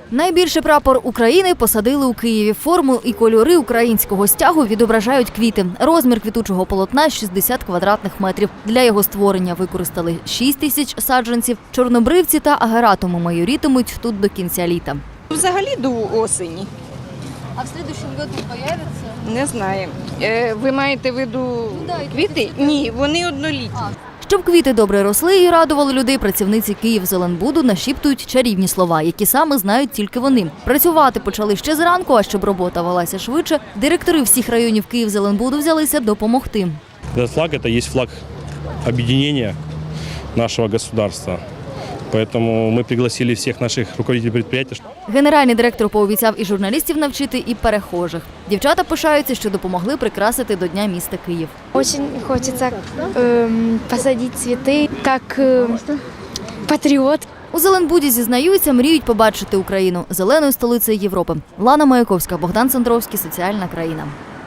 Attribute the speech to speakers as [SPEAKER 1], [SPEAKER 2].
[SPEAKER 1] Найбільший прапор України посадили у Києві. Форму і кольори українського стягу відображають квіти. Розмір квітучого полотна – 60 квадратних метрів. Для його створення використали 6 тисяч саджанців. Чорнобривці та агератуми майорітимуть тут до кінця літа.
[SPEAKER 2] Взагалі до осені.
[SPEAKER 1] А в наступному році з'являться?
[SPEAKER 2] Не знаю. Ви маєте в виду квіти? Ні, вони однолітні.
[SPEAKER 1] Щоб квіти добре росли і радували людей, працівниці «Київзеленбуду» нашіптують чарівні слова, які саме знають тільки вони. Працювати почали ще зранку, а щоб робота велася швидше, директори всіх районів «Київзеленбуду» взялися допомогти.
[SPEAKER 3] Этот флаг – это есть флаг объединения нашего государства. Поэтому мы пригласили всех наших руководителей предприятий.
[SPEAKER 1] Генеральний директор пообіцяв і журналістів навчити, і перехожих. Дівчата пишаються, що допомогли прикрасити до Дня міста Київ.
[SPEAKER 4] Очень хочется посадить цветы, как патриот.
[SPEAKER 1] У Зеленбуді зізнаються, мріють побачити Україну зеленою столицею Європи. Лана Маяковська, Богдан Сандровський, Соціальна країна.